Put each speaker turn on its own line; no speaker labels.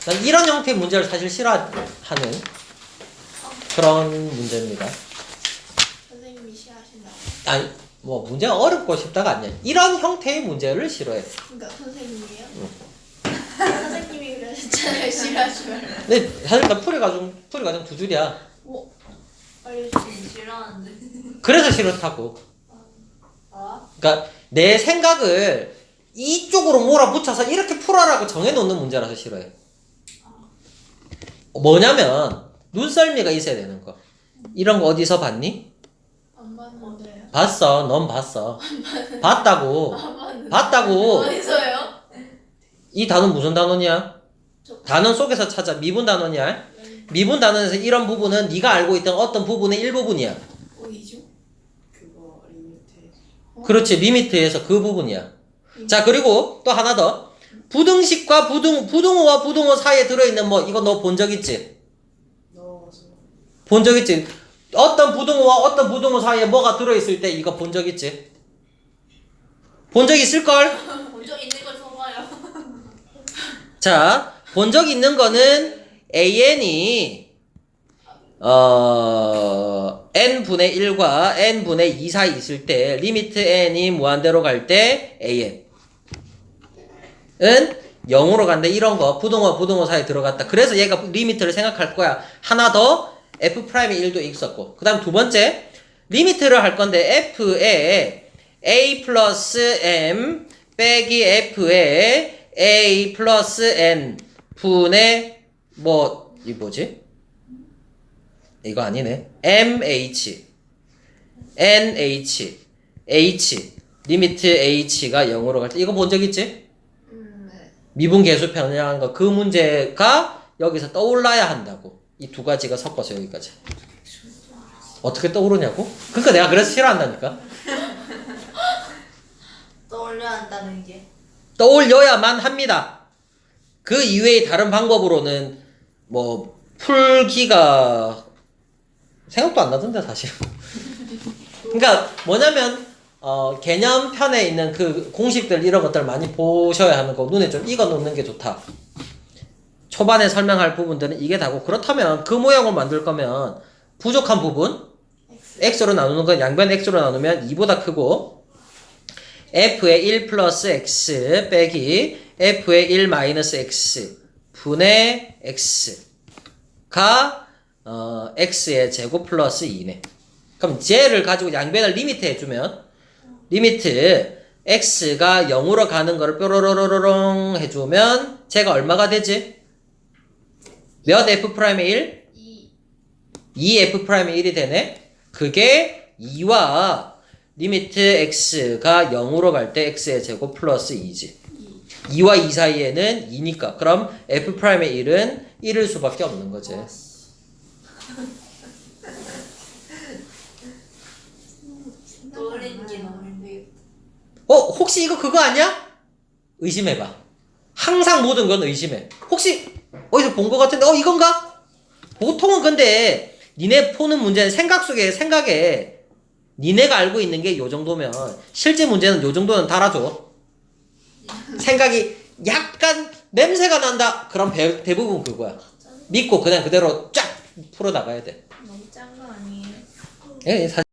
난 이런 형태의 문제를 사실 싫어하는 그런 문제입니다.
선생님이 싫어하신다고.
아니 뭐 문제가 어렵고 싶다가 아니야. 이런 형태의 문제를 싫어해.
그러니까 선생님이에요? 선생님이 그러셨잖아요. 싫어하지 말라.
근데 사실 나 풀이 과정 두 줄이야.
오, 알려주세요.
싫어하는데.
그래서 싫다고.
아?
그러니까 내 생각을 이쪽으로 몰아붙여서 이렇게 풀어라고 정해놓는 문제라서 싫어해. 뭐냐면 눈썰미가 있어야 되는 거. 이런 거 어디서 봤니?
안 봤는데요.
봤어. 넌 봤어. 봤다고. 봤다고.
어디서요?
이 단어는 무슨 단어냐? 단어 속에서 찾아. 미분 단어냐? 미분 단어에서 이런 부분은 네가 알고 있던 어떤 부분의 일부분이야.
어디죠?
그거 리미트.
그렇지. 리미트에서 그 부분이야. 자, 그리고 또 하나 더. 부등식과 부등호와 부등호 사이에 들어있는 뭐 이거 너 본 적 있지?
넣어서.
본 적 있지? 어떤 부등호와 어떤 부등호 사이에 뭐가 들어있을 때 이거 본 적 있지? 본 적 있을걸?
본적 있는 걸 써봐요.
자, 본 적 있는 거는 AN이 n분의 1과 n분의 2 사이 있을 때 리미트 n이 무한대로 갈 때 AN 은 0으로 간다. 이런 거 부등호 사이에 들어갔다. 그래서 얘가 리미트를 생각할 거야. 하나 더 F'의 1도 있었고, 그 다음 두 번째 리미트를 할 건데 F에 A 플러스 M 빼기 F에 A 플러스 N 분의 이 뭐지? 이거 아니네. MH NH H 리미트 H가 0으로 갈 때 이거 본 적 있지?
네.
미분 계수 변형한 거. 그 문제가 여기서 떠올라야 한다고. 이 두 가지가 섞어서 여기까지. 어떻게 떠오르냐고? 그러니까 내가 그래서 싫어한다니까.
떠올려야 한다는 게.
떠올려야만 합니다. 그 이외의 다른 방법으로는 뭐 풀기가 생각도 안 나던데 사실. 그러니까 뭐냐면 개념편에 있는 그 공식들 이런 것들 많이 보셔야 하는 거. 눈에 좀 익어 놓는 게 좋다. 초반에 설명할 부분들은 이게 다고, 그렇다면 그 모양을 만들 거면 부족한 부분 x로 나누는 건 양변 x로 나누면 2보다 크고, f의 1 플러스 x 빼기 f의 1 마이너스 x 분의 x가 x의 제곱 플러스 2네. 그럼 쟤를 가지고 양변을 리미트 해주면 리미트 x가 0으로 가는 거를 뾰로로로롱 해주면 쟤가 얼마가 되지? 몇 f'의 1? 2f'의 1이 되네? 그게 2와 리미트 x가 0으로 갈 때 x의 제곱 플러스 2지. 2와 2 사이에는 2니까. 그럼 f'의 1은 1일 수밖에 없는 거지.
떠올리는 게 너무 힘들겠다.
혹시 이거 그거 아니야? 의심해봐. 항상 모든 건 의심해. 혹시 어디서 본 것 같은데 이건가? 보통은 근데 니네 푸는 문제는 생각에 니네가 알고 있는 게 요 정도면 실제 문제는 요 정도는 달아줘. 생각이 약간 냄새가 난다. 그럼 대부분 그거야. 믿고 그냥 그대로 쫙 풀어나가야 돼.
너무 짠 거 아니에요?
예,